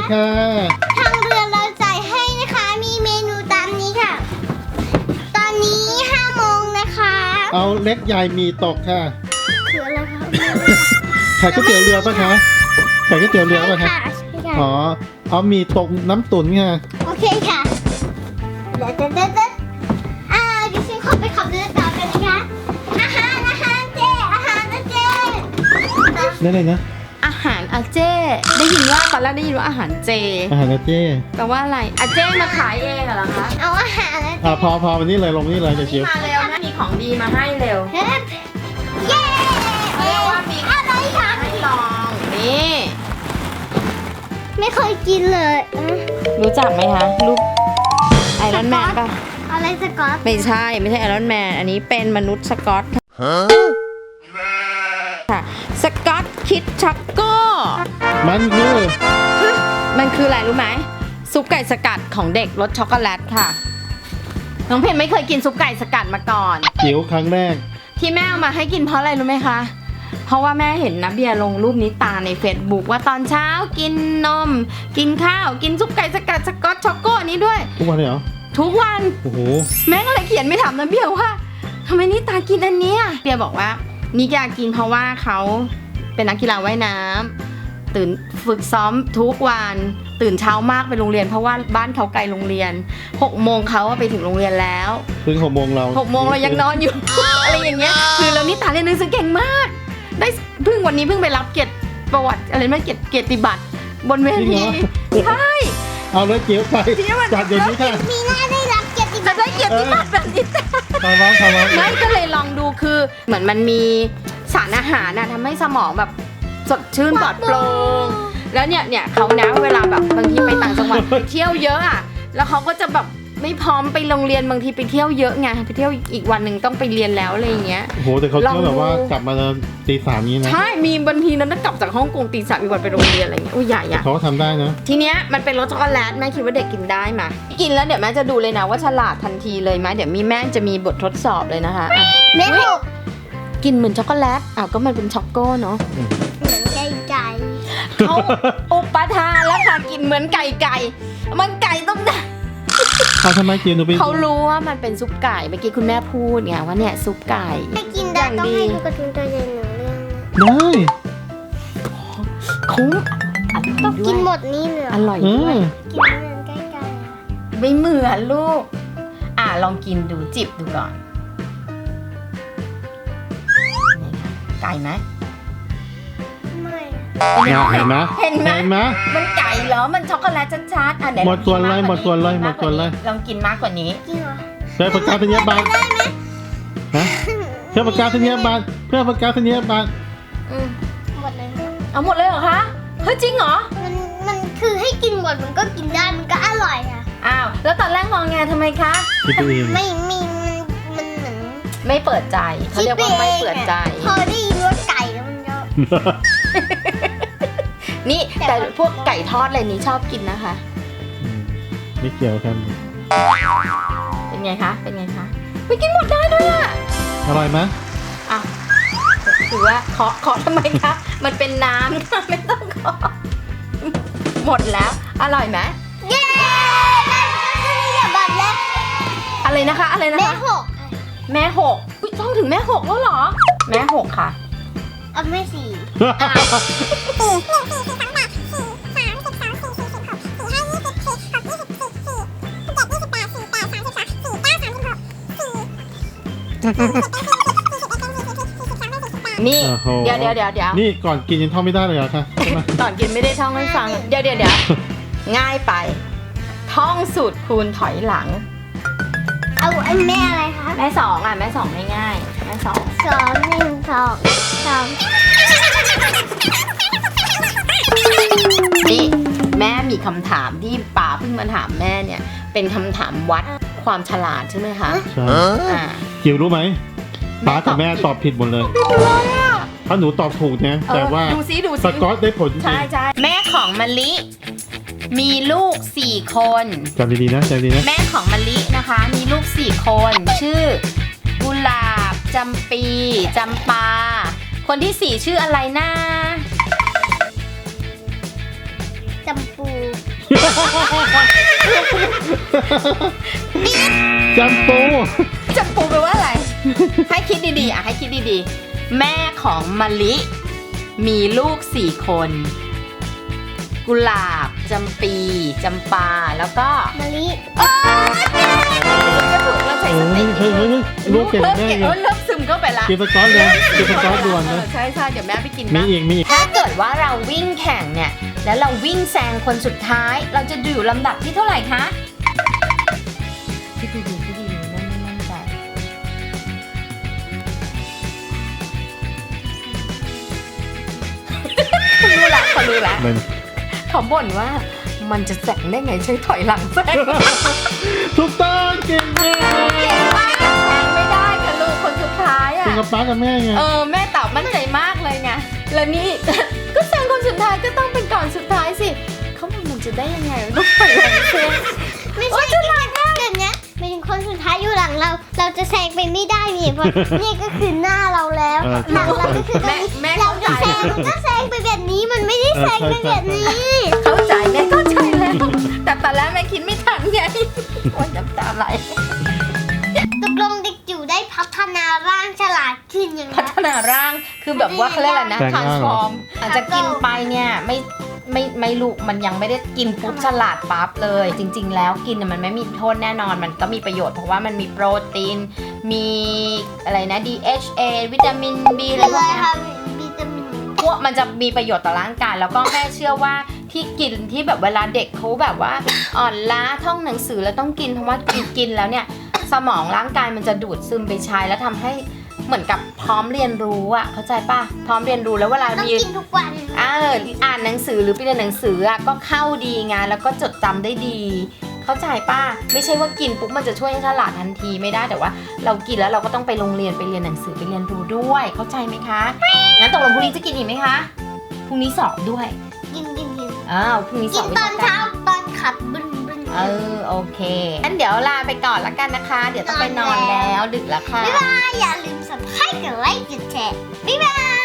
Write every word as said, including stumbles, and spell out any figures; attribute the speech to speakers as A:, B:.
A: ค่ะ
B: ทางเรือเราจ่ายให้นะคะมีเมนูตามนี้ค่ะตอนนี้ห้าโมงนะคะ
A: เอาเล็กใหญ่มีตกค่ะ
B: คืออะไรคะ
A: ขายก๋วยเตี๋ยวเรือป่ะคะขายก๋วยเตี๋ยวเรือป่ะคะ
B: ใช่ค่ะ
A: อ๋อเอามีตกน้ำตุ๋นค่ะ
B: โอเคค่ะเด็ดเด็ดเด็ดเด็ดอ่าดิฉันขอไปขับเรือต่อกันนะคะอาหารอาหารเจอาหารนะเจ
A: ได้เลยนะ
C: อาหารอาเจ้ได้ยินว่าตอนแรกได้ยินว่าอาหารเจ
A: อาหารนะเจ้
C: แปลว่าอะไรอาเจ้มาขายเองเหรอคะ
B: เอาอาหารนะเจ
A: อ่าพอพอวันนี้เลยลงนี่เลยเดี๋ยวจิ๋ว
C: มาเร็วแม่มีของดีมาให้เร็ว
B: เฮ้ยเย้
C: เรียกว่ามี
B: อะไรคะ
C: ให้ลองนี่
B: ไม่เคยกินเลยอืม
C: รู้จักไหมคะรูปไอรอนแมนป่ะ
B: อะไรสก๊อต
C: ไม่ใช่ไม่ใช่ไอรอนแมนอันนี้เป็นมนุษย์สกอตค่ะสกอตคิดช็อกโก้
A: มันคือ
C: มันคืออะไรรู้ไหมซุปไก่สกัดของเด็กรสช็อกโกแลตค่ะน้องเพนไม่เคยกินซุปไก่สกัดมาก่อน
A: จิ๋วครั้งแรก
C: ที่แม่เอามาให้กินเพราะอะไรรู้ไหมคะ เพราะว่าแม่เห็นนะเบียร์ลงรูปนี้ตาใน Facebook ว่าตอนเช้ากินนม กินข้าว กินซุปไก่สกัดสกอตช็อกโก้นี้ด้วย
A: ทุกวันเลยเหรอ
C: ทุกวัน
A: โอ้โห
C: แม่ก็เลยเขียนไม่ถามนะเบียร์ว่าทำไมนี่ตากินอันเนี้ยเบียร์บอกว่านี่อยากกินเพราะว่าเขาเป็นนักกีฬาว่ายน้ำตื่นฝึกซ้อมทุกวันตื่นเช้ามากไปโรงเรียนเพราะว่าบ้านเขาไกลโรงเรียนหกโมงเขาอะไปถึงโรงเรียนแล้ว
A: เพิ่งหกโมงเรา
C: หกโมงเรายังนอนอยู่ อะไรอย่างเงี้ยคือเรานี่ตาเรียนหนังสือเก่งมาก ได้เพิ่งวันนี้เพิ่งไปรับเกียรติประวัติอะไรไม่เกียรติเกียรติบัตรบนเว
A: จริงเหร
C: ที
A: อ
C: ใช่
A: เอาเลยจิ๋วไปจัดเดี๋ยวนี้ค่ะ
B: มีหน้าได้รับเกียรติบั
C: จะ
B: ตร
C: ได้เกียรติบัตรแบบนี้
A: ทำร้องทำร้อง
C: ไม่ก็เลยลองดูคือเหมือนมันมีสารอาหารนะทำให้สมองแบบสดชื่นปลอดโปร่งแล้วเนี่ยเนี่ยเขานะเวลาแบบบางทีไปต่างจังหวัดไปเที่ยวเยอะอ่ะแล้วเขาก็จะแบบไม่พร้อมไปโรงเรียนบางทีไปเที่ยวเยอะไงไปเที่ยวอีกวันหนึ่งต้องไปเรียนแล้วอะไรอย่างเงี้ย
A: โอ้โหแต่เขา
C: ลอง
A: เที่ยวแบบว่า
C: ดู
A: กลับมาตีสามนี้นะ
C: ใช่มีบางทีนั้นกลับจากฮ่องกงตีสามอีกวันไปโรงเรียนอะไรเงี้ยอุ้ยใหญ่อะ
A: เขาก็ทำได้นะ
C: ทีเนี้ยมันเป็นรสช็อกโกแลตแม่คิดว่าเด็กกินได้มากินแล้วเดี๋ยวแม่จะดูเลยนะว่าฉลาดทันทีเลยไหมเดี๋ยวมีแม่จะมีบททดสอบเลยนะคะอ่ะ
B: แม่หก
C: กินเหมือนช็อกโกแลตอ้าวก็มันเป็นช็อกโก้เนาะ
B: เหมือนไก่ไก่
C: เขาอุปทานแล้วค่ะกินเหมือนไก่ไก่มันไก่ต้องได้
A: เอาทำไมจิ๋วหนูไป
C: เขารู้ว่ามันเป็นซุปไก่เมื่อกี้คุณแม่พูดไงว่าเนี่ยซุปไก่
B: ไม่กินได้ต้องให้ดูการ์ตูนตัวใหญ่หนึ่งเรื่องนะ
A: ได้
C: คุ้มอร่อย
B: ต้อง
C: ด้
B: กิ
C: วน ย
B: หมดนี่เลยเหร
C: อ
B: อ
C: ร่อย
A: เอ
C: ด้วย
A: อ
B: กินเหมือนไก่ไก่อะ
C: ไม่เหมือนลูก อ่ะลองกินดูจิบดูก่อนนี่ค่ะไก่ไหม
B: ไม่
A: เห็นไหม
C: เห็นไหม
A: เห็นไหม
C: มันไก่เหรอ มันช็อกโกแลตชัดๆอ่ะเดี๋ยว
A: หมดส่วนเลย
C: ลองกิ
A: หมดส่วนเลย
C: กิ
A: หมดส่วนเลย
C: ลองกินมากกว่านี้
B: จริงเหรอ
A: เพื่อประกาศนียบัตรฮะเพื่อประกาศนียบัตรเพื่อประกาศนียบัตร
C: อืม
B: หมดเลยนะ
C: เอาหมดเลยเหรอคะ เฮ้ยจริงเหรอ
B: มันมันคือให้กินหมดมันก็กินได้มันก็อร่อยอะ
C: อ้าว แล้วตอนแรกมองไงทำไมคะ
A: คิดตัวเอง
B: ไม่มีมันมันเหมือน
C: ไม่เปิดใจเขาเรียกว่าไม่เปิดใจ
B: พอได้ยินว่าไก่แล้วมันก็
C: นี่แต่พวกไก่ทอดอะไรนี้ชอบกินนะคะ
A: อืมไม่เกี่ยวกัน
C: เป็นไงคะ เป็นไงคะไปกินหมดได้ด้วยอ่ะ
A: อร่อยไหม
C: อ่ะถือว่าเคาะเคาะทำไมคะ มันเป็นน้ำค่ะไม่ต้องเคาะหมดแล้ว อร่อยไหม
B: เย้ได้อย่าบัตรแล้ว
C: อะไรนะคะ อะไรนะ
B: แม่
C: คะ
B: หก
C: แม่หกอุ๊ยต้องถึงแม่หกแล้วเหรอ แม่หกค่ะ
B: เอาแม่สี่
C: นี่
A: โอ้โห
C: เดี๋ยวเดี๋ยวเดี๋ยวเดี๋ยว
A: นี่ก่อนกินยังท่องไม่ได้เลยเหรอคะใช่ไหม
C: ตอนกินไม่ได้ท่องให้ฟัง เดี๋ยวเดี๋ยวเดี๋ยวง่ายไป ท่องสูตรคูณถอยหลัง
B: เอาอันแม่อะไรคะ
C: แม่สองอ่ะ แม่สองง่ายๆแม่สอง
B: สองหนึ่งสองสอง
C: นี่แม่มีคำถามที่ป๋าเพิ่งมาถามแม่เนี่ย เป็นคำถามวัดความฉลาดใช่ไหมคะ
A: ใช่
C: อ่า
A: จิ๋วรู้ไหมป้ากับแม่ตอบผิดหมดเลยถ้าหนูตอบถูกนะแต่ว่า
C: ดูซิดู
A: ส
C: ซิ
A: กอตได้ผลจริง
C: ใช่ใช่แม่ของมะลิ มีลูกสี่คน
A: จำดีๆนะจำดีๆนะ
C: แม่ของมะลินะคะ มีลูกสี่คน ชื่อกุหลาบจำปีจำปา คนที่สี่ชื่ออะไรนะ
B: จจำปู
A: จำปู
C: จำปูแปลว่าอะไร ให้คิดดีๆอ่ะให้คิดดีๆ แม่ของมะลิมีลูกสี่คน กุหลาบจำปีจำปาแล้วก็
B: มะลิ
C: จะถูกเราใช้ส
A: เฮ้
C: ติ
A: ยเฮ้ยเฮ้ยเฮ้ยลูกเก่ง
C: เริ่ม
A: แน่
C: เก่ง
A: เลย
C: เริ่มซึมเข้าไปละ
A: กินสก๊อตเลยกินสก๊อตด่วนนะ
C: ใช่ใช่เดี๋ยวแม่ไปกิน
A: มี
C: บ้าง
A: อีกมีอีก
C: ถ้าเกิดว่าเราวิ่งแข่งเนี่ยแล้วเราวิ่งแซงคนสุดท้าย เราจะอยู่ลำดับที่เท่าไหร่คะคิดดีๆคิดดีๆนั่นนั่นใจรู้ละเขารู้ละ
A: มัน
C: เขาบ่นว่ามันจะแซงได้ไงใช้ถอยหลังแซง
A: ถูกต้องเก่งมาก
C: เก่งมากแซงไม่ได้ค่ะลูกคนสุดท้ายอ่ะ
A: เป็นกับป้ากับแม่ไง
C: เออแม่ตอบมั่นใจมากเลยไงแล้วนี่ ก็แซงคนสุดท้ายก็ต้องเป็นก่อนสุดท้ายสิเขาบอกมันจะได้ยังไงมันต้องถอยหลังแซง
B: ไม่ใช่ฉลาดมากแบบเนี้ยเป็นคนสุดท้ายอยู่หลังเรา เราจะแซงไปไม่ได้นี่เพราะ นี่ก็คือหน้าเราแล้ว
A: เออ
B: หลังเราก็คือตรง
C: แม่
B: นี้
C: แม่
B: เรา
C: เข้าใจ
B: จะแซงมันก็แซงไปแบบนี้มันไม่ได้แซงไปแบบนี้
C: เข้าใจแม่เข้าใจแล้ว แต่ตอนแรกแม่คิดไม่ทันไงโอ๊ยน้ำตาไหล
B: ตกลงเด็กจิ๋วได้พัฒนาร่างฉลาดขึ้นยังไง
C: พัฒนาร่างคือแบบว่าเขาเรียกอะไรนะ
A: แปลงร่างเหรอ
C: transform อาจจะกินไปเนี่ยไม่ไม่ไม่ลูกมันยังไม่ได้กินปุ๊บฉลาดปั๊บเลย จริง ๆ แล้วกินน่ะมันไม่มีโทษแน่นอนมันก็มีประโยชน์เพราะว่ามันมีโปรตีน มีอะไรนะ ดี เอช เอ วิตามิน B อะไร
B: คือ
C: พว
B: อะ
C: ก
B: ไร
C: เนี้ย
B: คะวิตามิน
C: พวกมันจะมีประโยชน์ต่อร่างกายแล้วก็แม่เชื่อว่าที่กินที่แบบเวลาเด็กเขาแบบว่าอ่อนล้าท่องหนังสือแล้วต้องกินเพราะว่ากินกินแล้วเนี่ยสมองร่างกายมันจะดูดซึมไปใช้แล้วทำให้เหมือนกับพร้อมเรียนรู้อ่ะเข้าใจป่ะพร้อมเรียนรู้แล้วเวลา
B: ต้อง
C: มี
B: กินทุกวัน
C: อ่าอ่านหนังสือหรือไปเรียนหนังสืออ่ะก็เข้าดีไงแล้วก็จดจำได้ดี เข้าใจป่ะไม่ใช่ว่ากินปุ๊บมันจะช่วยให้ฉลาดทันทีไม่ได้แต่ว่าเรากินแล้วเราก็ต้องไปโรงเรียนไปเรียนหนังสือไปเรียนรู้ด้วยเข้าใจไหมคะงั้นตกลงพรุ่งนี้จะกินอีกไหมคะพรุ่งนี้สอบด้วย
B: กินกินกิน
C: อ้าวพรุ่งนี้ส
B: กิ
C: อน บวิ
B: ตอ
C: ชาน กา
B: เช้าร ตอนขับบึ้นบึ้น
C: เออโอเคงั้นเดี๋ยวลาไปก่อนละกันนะคะ เดี๋ยวต้องไปนอนแล้วดึกแล้วค่ะ
B: บ๊ายบายอย่าลืมสับสไครต์กดไลค์กดแชร์บ๊ายบาย